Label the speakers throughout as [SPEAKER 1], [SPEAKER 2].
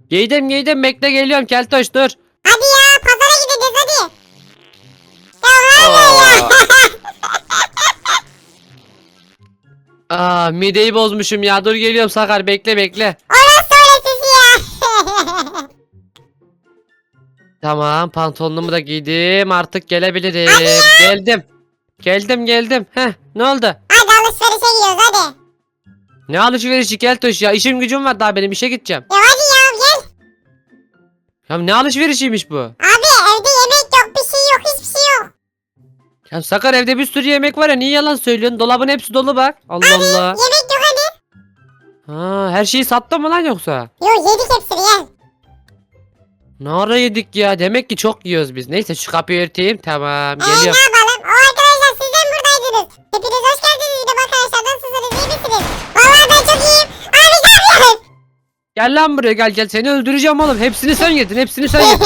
[SPEAKER 1] Giydim bekle geliyorum Keltoş dur.
[SPEAKER 2] Hadi ya pazara gideceğiz hadi. Ya var ya.
[SPEAKER 1] Mideyi bozmuşum ya dur geliyorum Sakar bekle.
[SPEAKER 2] Orası öylesi ya.
[SPEAKER 1] Tamam pantolonumu da giydim artık gelebilirim. Geldim. Heh ne oldu?
[SPEAKER 2] Hadi alışverişe gidiyoruz hadi.
[SPEAKER 1] Ne alışverişi Keltoş ya işim gücüm var daha benim işe gideceğim.
[SPEAKER 2] Ya hadi ya gel.
[SPEAKER 1] Ya ne alışverişiymiş bu?
[SPEAKER 2] Abi evde yemek yok bir şey yok hiçbir şey yok.
[SPEAKER 1] Ya Sakar evde bir sürü yemek var ya niye yalan söylüyorsun? Dolabın hepsi dolu bak. Allah Allah.
[SPEAKER 2] Yemek yok hadi.
[SPEAKER 1] Her şeyi sattın mı lan yoksa?
[SPEAKER 2] Yok yedik hepsini gel.
[SPEAKER 1] Ne ara yedik ya? Demek ki çok yiyoruz biz. Neyse şu kapıyı örteyim. Tamam
[SPEAKER 2] Ne
[SPEAKER 1] geliyorum.
[SPEAKER 2] yapalım? O arkadaşlar siz de mi buradaydınız? Hepiniz hoş geldiniz. Bir de arkadaşlar nasılsınız iyi misiniz? Vallahi ben çok iyiyim. Abi ne yapıyorsun?
[SPEAKER 1] Gel lan buraya gel seni öldüreceğim oğlum. Hepsini sen yedin sen yedin.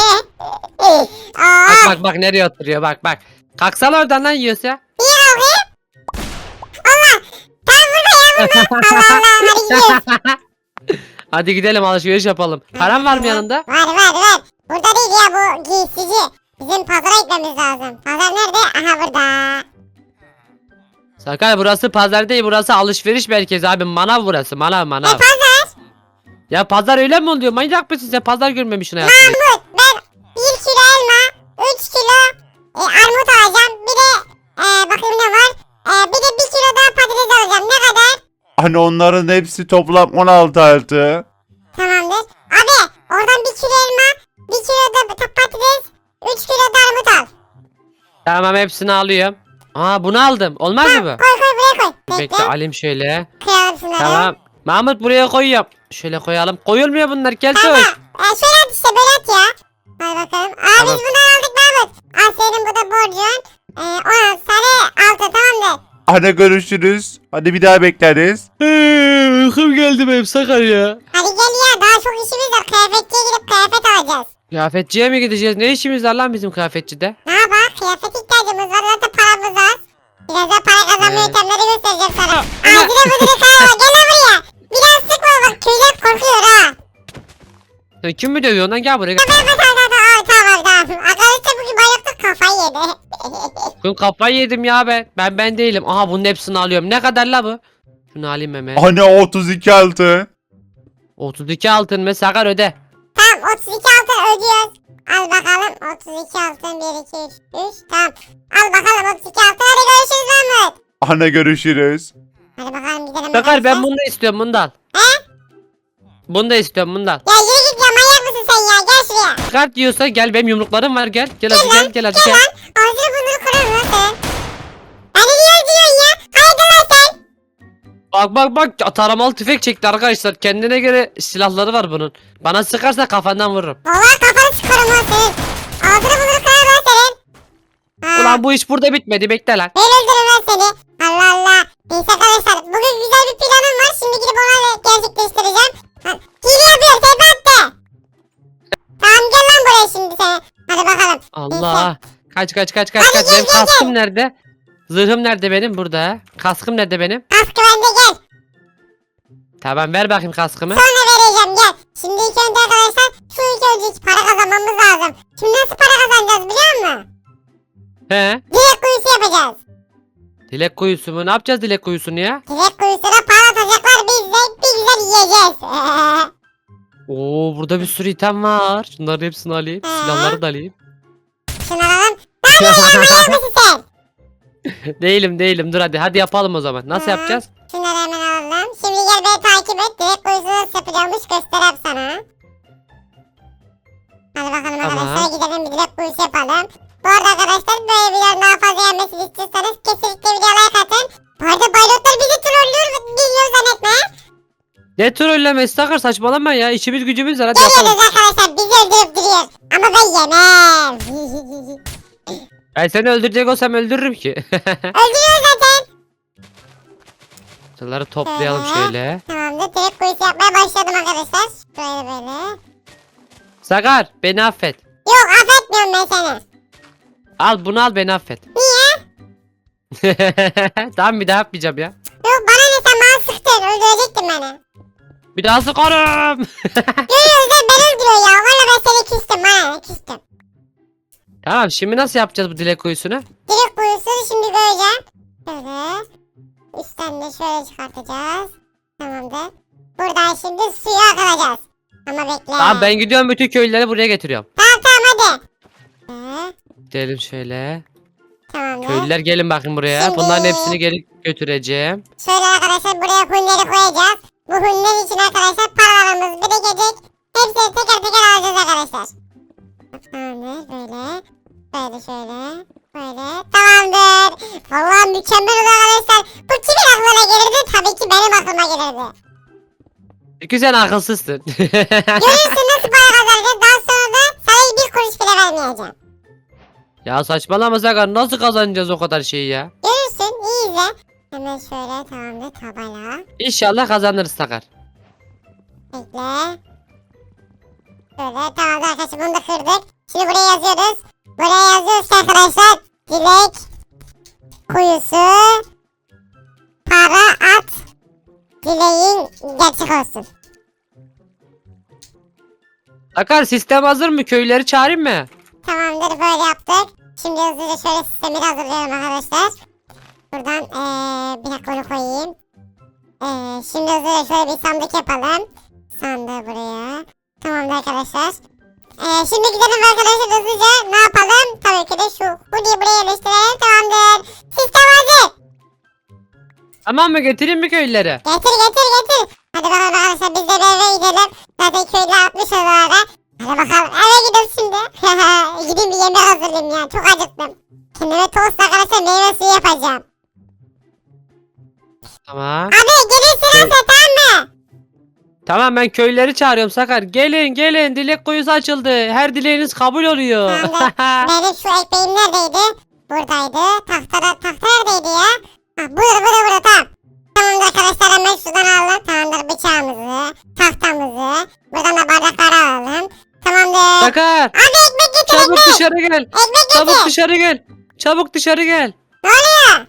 [SPEAKER 2] Aa,
[SPEAKER 1] Bak nereye oturuyor bak. Kalksana oradan lan yiyorsa.
[SPEAKER 2] iyi abi. Allah. Tam burada ya burada. Allah Allah hadi gidiyoruz.
[SPEAKER 1] Hadi gidelim alışveriş yapalım. Param var mı yanında?
[SPEAKER 2] Var. Burada değil ya bu giysici. Bizim pazara gitmemiz lazım. Pazar nerede? Aha burada.
[SPEAKER 1] Sakar burası pazar değil burası alışveriş merkezi abi. Manav burası manav.
[SPEAKER 2] Pazar.
[SPEAKER 1] Ya pazar öyle mi oluyor? Manyak mısın sen? Pazar görmemişsin hayatında.
[SPEAKER 2] Mahmut ben 1 kilo elma, 3 kilo armut alacağım. Bir de bakayım ne var? Bir de 1 kilo daha patates alacağım. Ne kadar?
[SPEAKER 3] Hani onların hepsi toplam 16 altı.
[SPEAKER 2] Tamamdır. Abi oradan 1 kilo elma, 1 kilo da patates, 3 kilo da armut al.
[SPEAKER 1] Tamam hepsini alıyorum. Bunu aldım. Olmaz mı bu?
[SPEAKER 2] Koy buraya koy.
[SPEAKER 1] Bekle alayım şöyle.
[SPEAKER 2] Kıyalım şunları.
[SPEAKER 1] Tamam. Mahmut buraya koyuyorum. Şöyle koyalım. Koyulmuyor bunlar Keltoş.
[SPEAKER 2] Tamam. Şöyle at işte böyle at ya. Hadi bakalım.
[SPEAKER 1] Tamam.
[SPEAKER 2] Biz bunları aldık Mahmut. Al senin bu da borcun. 16 tane altı tamamdır.
[SPEAKER 3] Hadi görüşürüz. Hadi bir daha bekleriz.
[SPEAKER 1] Uykum geldi benim Sakar ya.
[SPEAKER 2] Hadi gel ya daha çok işimiz var. Kıyafetçiye gidip kıyafet alacağız.
[SPEAKER 1] Kıyafetçiye mi gideceğiz? Ne işimiz var lan bizim kıyafetçide?
[SPEAKER 2] Ne yapalım? Kıyafet ihtiyacımız var. Zaten paramız var. Biraz daha para kazanma yöntemleri göstereceğim sana. Ağzına bıdırı kayma. Gel lan buraya. Biraz sıkma bak. Tüyler korkuyor ha.
[SPEAKER 1] Sen kim mi dövüyorsun lan? Gel buraya.
[SPEAKER 2] Tamam. Arkadaşlar bugün bayıldık kafayı yedi.
[SPEAKER 1] Bugün kafayı yedim ya ben. Ben değilim. Aha bunun hepsini alıyorum. Ne kadar la bu? Şunu alayım hemen.
[SPEAKER 3] Hani 32 altı.
[SPEAKER 1] 32 altın mı? Sakar öde.
[SPEAKER 2] Tamam 32 altın ödüyoruz. Al bakalım 32 altın 1 2 3 3 tamam. Al bakalım 32 altın hadi görüşürüz Mahmut.
[SPEAKER 3] Hani görüşürüz.
[SPEAKER 2] Hadi bakalım gidelim.
[SPEAKER 1] Sakar ben
[SPEAKER 2] arkadaşlar.
[SPEAKER 1] bunu da istiyorum bundan.
[SPEAKER 2] He?
[SPEAKER 1] Bunu da istiyorum bundan.
[SPEAKER 2] Ya yürü git ya manyak mısın sen ya gel şuraya.
[SPEAKER 1] Kart diyorsa gel benim yumruklarım var gel. Gel hadi gel hadi
[SPEAKER 2] Gel
[SPEAKER 1] gel.
[SPEAKER 2] lan ağzını burnunu kırarım lan sen. Beni niye öldürüyorsun ya? Haydi lan sen.
[SPEAKER 1] Bak taramalı tüfek çekti arkadaşlar. Kendine göre silahları var bunun. Bana sıkarsa kafandan vururum.
[SPEAKER 2] Valla kafanı çıkarım lan senin. Ağzını burnunu kırarım lan senin. Ha,
[SPEAKER 1] Ulan bu iş burada bitmedi bekle lan.
[SPEAKER 2] ben öldürürüm lan seni. Allah Allah. Neyse arkadaşlar bugün güzel bir planım var. Şimdi gidip onu gerçekleştireceğim. Ha, hile yapıyor sen attı. Tamam gel lan buraya şimdi sen. Hadi bakalım.
[SPEAKER 1] Allah. Kaç.
[SPEAKER 2] Hadi
[SPEAKER 1] Benim
[SPEAKER 2] gel.
[SPEAKER 1] kaskım nerede? Zırhım nerede benim? Burada. Kaskım nerede benim?
[SPEAKER 2] Kaskı bende gel.
[SPEAKER 1] Tamam ver bakayım kaskımı.
[SPEAKER 2] Sonra vereceğim gel. Şimdi ilk önce arkadaşlar şu ilk önce para kazanmamız lazım. Şimdi nasıl para kazanacağız biliyor musun?
[SPEAKER 1] He?
[SPEAKER 2] Dilek kuyusu yapacağız.
[SPEAKER 1] Dilek kuyusu mu? Ne yapacağız dilek kuyusunu ya?
[SPEAKER 2] Dilek kuyusuna para atacaklar biz de bir güzel yiyeceğiz.
[SPEAKER 1] Oo burada bir sürü item var. Şunların hepsini alayım. Silahları da alayım.
[SPEAKER 2] Şunu alalım. Ne yapıyorsun ya manyak mısın sen?
[SPEAKER 1] Değilim. Dur hadi yapalım o zaman. Nasıl
[SPEAKER 2] Hı.
[SPEAKER 1] yapacağız?
[SPEAKER 2] Şunları hemen alalım. Şimdi gel beni takip et. Dilek kuyusu nasıl yapacağımmış göstereyim sana. Hadi bakalım
[SPEAKER 1] Tamam.
[SPEAKER 2] arkadaşlar gidelim bir dilek kuyusu yapalım. Bu arada arkadaşlar böyle videoların daha fazla gelmesini istiyorsanız kesinlikle videoya like atın. Bu arada baylotlar bizi trollüyor dinliyor zannetme.
[SPEAKER 1] Ne trollemesi Sakar saçmalama ya. İşimiz gücümüz var hadi yapalım.
[SPEAKER 2] Geliyoruz arkadaşlar bizi öldürüp duruyor. Ama ben yemem.
[SPEAKER 1] Ben seni öldürecek olsam öldürürüm ki.
[SPEAKER 2] Öldürüyor zaten.
[SPEAKER 1] Şunları toplayalım şöyle.
[SPEAKER 2] Tamamdır direkt kuyusu yapmaya başladım arkadaşlar. Böyle.
[SPEAKER 1] Sakar beni affet.
[SPEAKER 2] Yok affetmiyorum ben seni.
[SPEAKER 1] Al bunu al beni affet.
[SPEAKER 2] Niye?
[SPEAKER 1] Tamam bir daha yapmayacağım ya.
[SPEAKER 2] Yok bana ne sen bana sıktın öldürecektin beni.
[SPEAKER 1] Bir daha sıkarım.
[SPEAKER 2] Görüyoruz da ben öldürüyor ya. Valla ben seni küstüm ha. Küstüm.
[SPEAKER 1] Tamam şimdi nasıl yapacağız bu dilek kuyusunu?
[SPEAKER 2] Direkt kuyusunu şimdi göreceğim. Şöyle. Üstten de şöyle çıkartacağız. Tamamdır. Buradan şimdi suya akılacağız. Ama bekle.
[SPEAKER 1] Tamam ben gidiyorum bütün köylüleri buraya getiriyorum.
[SPEAKER 2] Tamam hadi.
[SPEAKER 1] Gidelim şöyle.
[SPEAKER 2] Tamamdır.
[SPEAKER 1] Köylüler gelin bakın buraya.
[SPEAKER 2] Şimdi-
[SPEAKER 1] Bunların hepsini geri götüreceğim.
[SPEAKER 2] Şöyle arkadaşlar buraya hunleri koyacağız. Bu hunler için arkadaşlar paralarımız birikecek. Hepsini teker teker alacağız arkadaşlar. Tamamdır böyle. Böyle şöyle. Böyle. Tamamdır. Vallahi mükemmel oldu arkadaşlar. Bu kimin aklına gelirdi? Tabii ki benim aklıma gelirdi.
[SPEAKER 1] Çünkü sen akılsızsın.
[SPEAKER 2] Görürsün nasıl para kazanacağız. Daha sonra da sana bir kuruş bile vermeyeceğim.
[SPEAKER 1] Ya saçmalama Sakar, nasıl kazanacağız o kadar şeyi ya?
[SPEAKER 2] Görürsün. İyi izle. Hemen şöyle tamamdır tabela.
[SPEAKER 1] İnşallah kazanırız Sakar.
[SPEAKER 2] Bekle. Şöyle tamamdır arkadaşlar bunu da kırdık. Şimdi buraya yazıyoruz. Buraya yazıyoruz ki arkadaşlar. Dilek kuyusu para at. Dileğin gerçek olsun.
[SPEAKER 1] Sakar sistem hazır mı? Köylüleri çağırayım mı?
[SPEAKER 2] Tamamdır böyle yaptık. Şimdi hızlıca şöyle sistemi de hazırlıyorum arkadaşlar. Buradan bir dakika onu koyayım. Şimdi hızlıca şöyle bir sandık yapalım. Sandığı buraya. Tamamdır arkadaşlar. Şimdi gidelim arkadaşlar hızlıca ne yapalım? Tabii ki de şu hoodie'yi buraya yerleştirelim. Tamamdır. Sistem hazır.
[SPEAKER 1] Tamam mı, getireyim mi köylüleri?
[SPEAKER 2] Getir getir getir. Hadi bakalım arkadaşlar biz de bir eve gidelim. Zaten köylü atmış oralara. Hadi bakalım eve gidelim şimdi. Gideyim bir yemek hazırlayayım ya. Çok acıktım. Kendime tost arkadaşlar meyve suyu yapacağım.
[SPEAKER 1] Tamam.
[SPEAKER 2] Abi gelirsin sen tamam mı?
[SPEAKER 1] Tamam ben köylüleri çağırıyorum Sakar. Gelin gelin, dilek kuyusu açıldı. Her dileğiniz kabul oluyor.
[SPEAKER 2] Benim şu ekmeğim neredeydi? Buradaydı. Tahta neredeydi ya? Ha, burada tamam. Tamamdır arkadaşlar hemen şuradan alalım. Tamamdır bıçağımızı, tahtamızı. Buradan da bardakları alalım. Tamamdır.
[SPEAKER 1] Sakar
[SPEAKER 2] Abi ekmek getir
[SPEAKER 1] çabuk
[SPEAKER 2] ekmek.
[SPEAKER 1] dışarı gel.
[SPEAKER 2] Ekmek
[SPEAKER 1] Çabuk
[SPEAKER 2] getir.
[SPEAKER 1] dışarı gel. Çabuk dışarı gel.
[SPEAKER 2] Ne oluyor?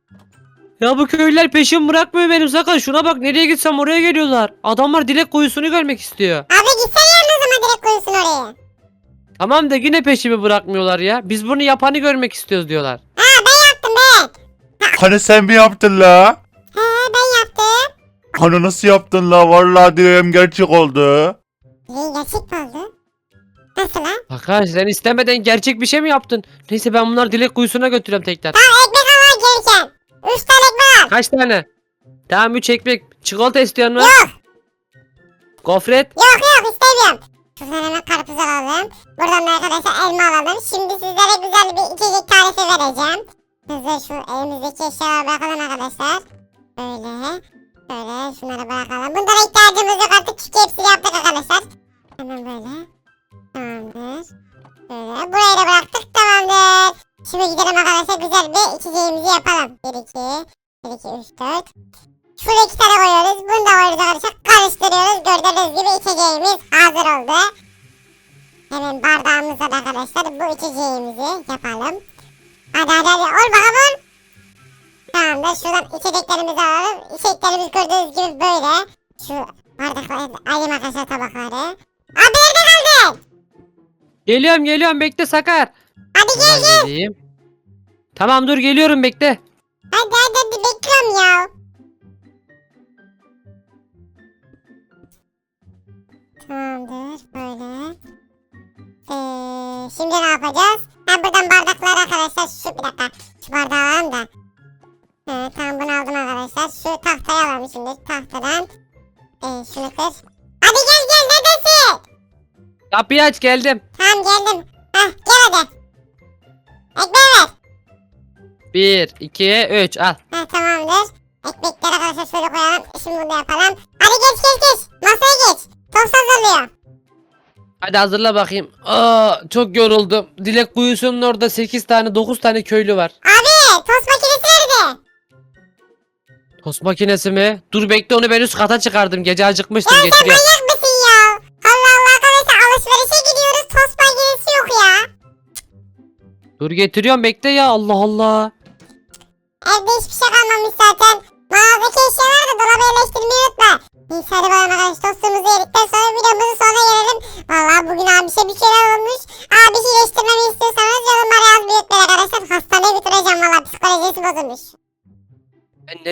[SPEAKER 1] Ya bu köylüler peşim bırakmıyor benim Sakar. Şuna bak, nereye gitsem oraya geliyorlar. Adamlar dilek kuyusunu görmek istiyor.
[SPEAKER 2] Abi gitsene yanına o zaman direkt koysun oraya.
[SPEAKER 1] Tamam da yine peşimi bırakmıyorlar ya. Biz bunu yapanı görmek istiyoruz diyorlar.
[SPEAKER 2] Ha ben yaptım ben.
[SPEAKER 3] Hani sen mi yaptın la?
[SPEAKER 2] He ben yaptım.
[SPEAKER 3] Hani nasıl yaptın la? Vallahi dileğim gerçek oldu.
[SPEAKER 2] Gerçek mi oldu? Nasıl lan?
[SPEAKER 1] Sakar sen istemeden gerçek bir şey mi yaptın? Neyse ben bunları dilek kuyusuna götürüyorum tekrar.
[SPEAKER 2] Tamam ekmek alman gelirken. 3 tane ekmek al.
[SPEAKER 1] Kaç tane? Tamam 3 ekmek. Çikolata istiyor mu?
[SPEAKER 2] Yok.
[SPEAKER 1] Gofret.
[SPEAKER 2] Yok istemiyorum. Şuradan hemen karpuz alalım. Buradan da arkadaşlar elma alalım. Şimdi sizlere güzel bir içecek tarifi vereceğim. Hızlı şu elimizdeki eşyaları bırakalım arkadaşlar. Böyle. Böyle şunları bırakalım. Bunlara ihtiyacımız yok artık çünkü hepsini yaptık arkadaşlar. Hemen böyle. Tamamdır. Böyle. Burayı da bıraktık tamamdır. Şimdi gidelim arkadaşlar güzel bir içeceğimizi yapalım. 1 2 1 2 3 4. Şuraya 2 tane koyuyoruz. Bunu da koyuyoruz arkadaşlar. Karıştırıyoruz. Gördüğünüz gibi içeceğimiz hazır oldu. Hemen bardağımızda da arkadaşlar bu içeceğimizi yapalım. Hadi ol bakalım ol. Tamamdır. Şuradan içeceklerimizi alalım. İçeceklerimiz gördüğünüz gibi böyle. Şu bardakları alayım arkadaşlar tabakları. Abi nerede kaldın?
[SPEAKER 1] Geliyorum bekle Sakar.
[SPEAKER 2] Hadi gel
[SPEAKER 1] Hemen geleyim. Tamam dur geliyorum bekle.
[SPEAKER 2] hadi bekliyorum ya. Tamamdır böyle. Şimdi ne yapacağız? Ha buradan bardakları arkadaşlar şu bir dakika. Şu bardağı alalım da. Tamam bunu aldım arkadaşlar. Şu tahtayı alalım şimdi. Tahtadan. Şunu kır. Hadi gel neredesin?
[SPEAKER 1] Kapıyı aç, geldim.
[SPEAKER 2] Tamam geldim. Hah gel hadi. Ekmeği ver.
[SPEAKER 1] 1 2 3 al.
[SPEAKER 2] Ha tamamdır. Ekmekleri arkadaşlar şöyle koyalım. Şimdi bunu da yapalım. Hadi geç. Masaya geç. Tost hazırlıyor.
[SPEAKER 1] Hadi hazırla bakayım. Aa, çok yoruldum. Dilek kuyusunun orada 8 tane 9 tane köylü var.
[SPEAKER 2] Abi tost makinesi nerede?
[SPEAKER 1] Tost makinesi mi? Dur bekle, onu ben üst kata çıkardım. Gece acıkmıştım,
[SPEAKER 2] Ya sen
[SPEAKER 1] getiriyorum.
[SPEAKER 2] manyak mısın ya? Allah arkadaşlar alışverişe gidiyoruz. Tost makinesi yok ya.
[SPEAKER 1] Dur getiriyorum, bekle ya, Allah Allah.
[SPEAKER 2] Evde hiçbir şey kalmamış zaten. Mağazadaki eşyaları da dolaba yerleştirmeyi unutma. Neyse hadi bakalım arkadaşlar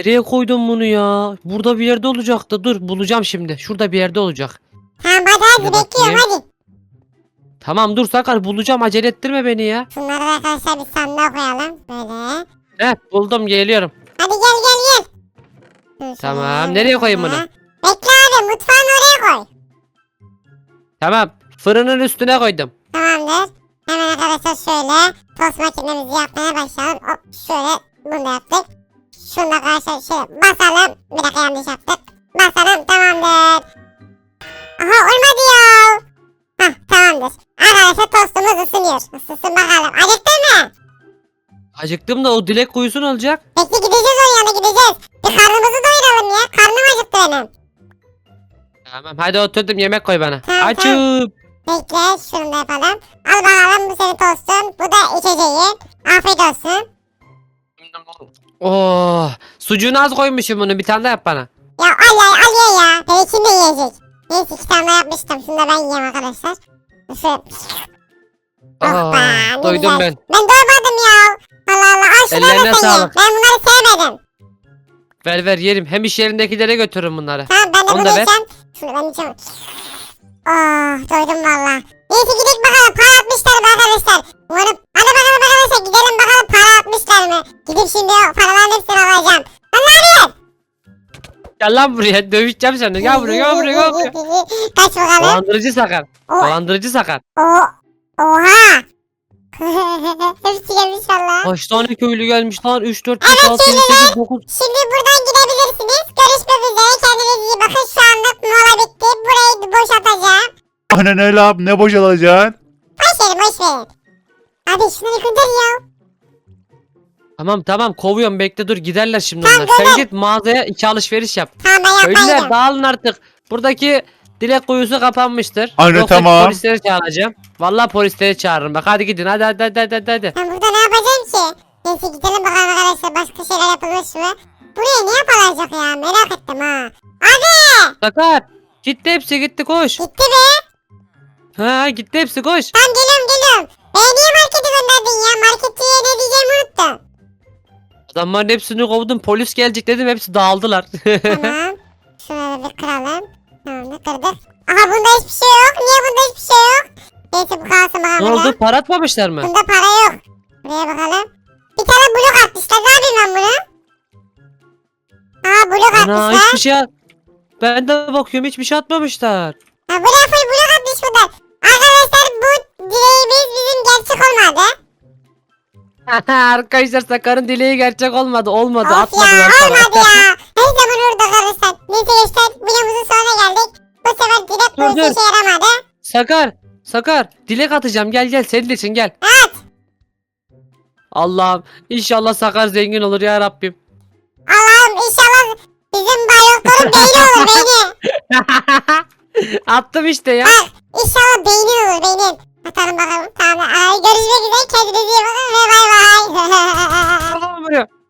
[SPEAKER 1] Nereye koydum bunu ya? Burada bir yerde olacaktı. Dur bulacağım şimdi. Şurada bir yerde olacak.
[SPEAKER 2] Tamam hadi
[SPEAKER 1] Bir
[SPEAKER 2] bekliyorum
[SPEAKER 1] bakayım.
[SPEAKER 2] hadi.
[SPEAKER 1] Tamam dur Sakar bulacağım. Acele ettirme beni ya.
[SPEAKER 2] Şunları da arkadaşlar bir sandığa koyalım. Böyle.
[SPEAKER 1] Buldum geliyorum.
[SPEAKER 2] Hadi gel. Dur
[SPEAKER 1] Tamam,
[SPEAKER 2] şöyle,
[SPEAKER 1] nereye koyayım
[SPEAKER 2] şöyle.
[SPEAKER 1] bunu?
[SPEAKER 2] Bekle abi mutfağın oraya koy.
[SPEAKER 1] Tamam. Fırının üstüne koydum.
[SPEAKER 2] Tamamdır. Hemen arkadaşlar şöyle tost makinemizi yapmaya başlayalım. Hop şöyle bunu da yaptık. Şunu da arkadaşlar şöyle basalım. Bir dakika yanlış yaptık. Basalım tamamdır. Aha olmadı ya. Hah tamamdır. Arkadaşlar tostumuz ısınıyor. Isınsın bakalım. Acıktın mı?
[SPEAKER 1] Acıktım da o dilek kuyusunu alacak.
[SPEAKER 2] Bekle gideceğiz onun yanına gideceğiz. Bir karnımızı doyuralım ya. Karnım acıktı benim.
[SPEAKER 1] Tamam hadi oturdum yemek koy bana.
[SPEAKER 2] Tamam,
[SPEAKER 1] Açım.
[SPEAKER 2] Bekle şunu da yapalım. Al bakalım bu senin tostun. Bu da içeceğin. Afiyet olsun.
[SPEAKER 1] Oh, sucuğunu az koymuşum bunu. Bir tane daha yap bana.
[SPEAKER 2] Ya al ya. Belki de yiyecek. Neyse 2 tane daha yapmıştım. Şunu da ben yiyeyim arkadaşlar. Şöyle. Oh be, ne
[SPEAKER 1] Doydum
[SPEAKER 2] güzel.
[SPEAKER 1] ben.
[SPEAKER 2] Ben doymadım ya. Allah Allah al şunu
[SPEAKER 1] Ellerine
[SPEAKER 2] da sen ye.
[SPEAKER 1] sağlık.
[SPEAKER 2] Ben bunları sevmedim.
[SPEAKER 1] Ver yerim. Hem iş yerindekilere götürürüm bunları.
[SPEAKER 2] Tamam ben de
[SPEAKER 1] Onu
[SPEAKER 2] bunu
[SPEAKER 1] da ver.
[SPEAKER 2] yiyeceğim. Şunu ben yiyeceğim. Oh doydum valla. Neyse gidelim bakalım para atmışlar mı arkadaşlar. Umarım. Hadi bakalım arkadaşlar gidelim bakalım para atmışlar mı. Gidip şimdi o paraların hepsini alacağım.
[SPEAKER 1] Gel lan buraya. Dövüşeceğim seni. Gel buraya.
[SPEAKER 2] Kaç bakalım.
[SPEAKER 1] Dolandırıcı Sakar.
[SPEAKER 2] O,
[SPEAKER 1] Dolandırıcı Sakar.
[SPEAKER 2] oha. Hepsi gelmiş valla.
[SPEAKER 1] Kaç tane köylü gelmiş lan? 3, 4, 5,
[SPEAKER 2] Evet,
[SPEAKER 1] 6, 7, 8, 9.
[SPEAKER 2] Şimdi buradan gidebilirsiniz. Görüşmek üzere. Kendinize iyi bakın. Şu anlık mola bitti. Burayı boşaltacağım.
[SPEAKER 3] Ana ne lan ne boşalacaksın?
[SPEAKER 2] Boş verin. Abi şunları gönder ya.
[SPEAKER 1] Tamam kovuyorum bekle dur giderler şimdi
[SPEAKER 2] Tamam,
[SPEAKER 1] onlar. Sen
[SPEAKER 2] gönder.
[SPEAKER 1] git mağazaya 2 alışveriş yap.
[SPEAKER 2] Tamam ben
[SPEAKER 1] Köylüler
[SPEAKER 2] yapmayacağım.
[SPEAKER 1] dağılın artık. Buradaki dilek kuyusu kapanmıştır.
[SPEAKER 3] Anne,
[SPEAKER 1] Yoksa
[SPEAKER 3] tamam.
[SPEAKER 1] polisleri çağıracağım. Vallahi polisleri çağırırım bak hadi gidin hadi.
[SPEAKER 2] Ben burada ne yapacağım ki? Neyse gidelim bakalım arkadaşlar. Başka şeyler yapılmış mı? Buraya ne yapılacak ya? Merak ettim ha. Abi.
[SPEAKER 1] Sakar. Gitti hepsi gitti koş.
[SPEAKER 2] Gitti be.
[SPEAKER 1] Ha gitti hepsi koş.
[SPEAKER 2] Tamam geliyorum. Beni niye markete gönderdin ya? Marketçiye ne diyeceğimi unuttum.
[SPEAKER 1] Adamların hepsini kovdum polis gelecek dedim hepsi dağıldılar.
[SPEAKER 2] Tamam. Şunları bir kıralım. Tamam da kırdık. Aha bunda hiçbir şey yok. Niye bunda hiçbir şey yok? Neyse bu kalsın
[SPEAKER 1] Ne
[SPEAKER 2] bakalım.
[SPEAKER 1] oldu para atmamışlar mı?
[SPEAKER 2] Bunda para yok. Buraya bakalım. Bir tane blok atmışlar. Ne yapayım ben bunu? Aa blok
[SPEAKER 1] Ana
[SPEAKER 2] atmışlar.
[SPEAKER 1] hiçbir şey Ben de bakıyorum hiçbir şey atmamışlar.
[SPEAKER 2] Ha buraya full blok atmış bunlar. Arkadaşlar bu dileğimiz bizim gerçek olmadı.
[SPEAKER 1] Arkadaşlar Sakar'ın dileği gerçek olmadı. Olmadı
[SPEAKER 2] Of
[SPEAKER 1] atmadılar
[SPEAKER 2] ya
[SPEAKER 1] para.
[SPEAKER 2] olmadı ya. Her zaman orada arkadaşlar. Neyse gençler videomuzun sonuna geldik. Bu sefer dilek
[SPEAKER 1] Dur,
[SPEAKER 2] boyusu işe yaramadı.
[SPEAKER 1] Sakar dilek atacağım gel senin için gel.
[SPEAKER 2] Evet.
[SPEAKER 1] Allah'ım inşallah Sakar zengin olur ya Rabbim.
[SPEAKER 2] Allah'ım inşallah bizim bayrakların beyni olur beyni.
[SPEAKER 1] Attım işte ya.
[SPEAKER 2] Bak inşallah beynin olur beynin. Atalım bakalım. Tamam. Görüşmek üzere. Kendinize iyi bakın ve bay bay.
[SPEAKER 1] Allah'ım vuruyor.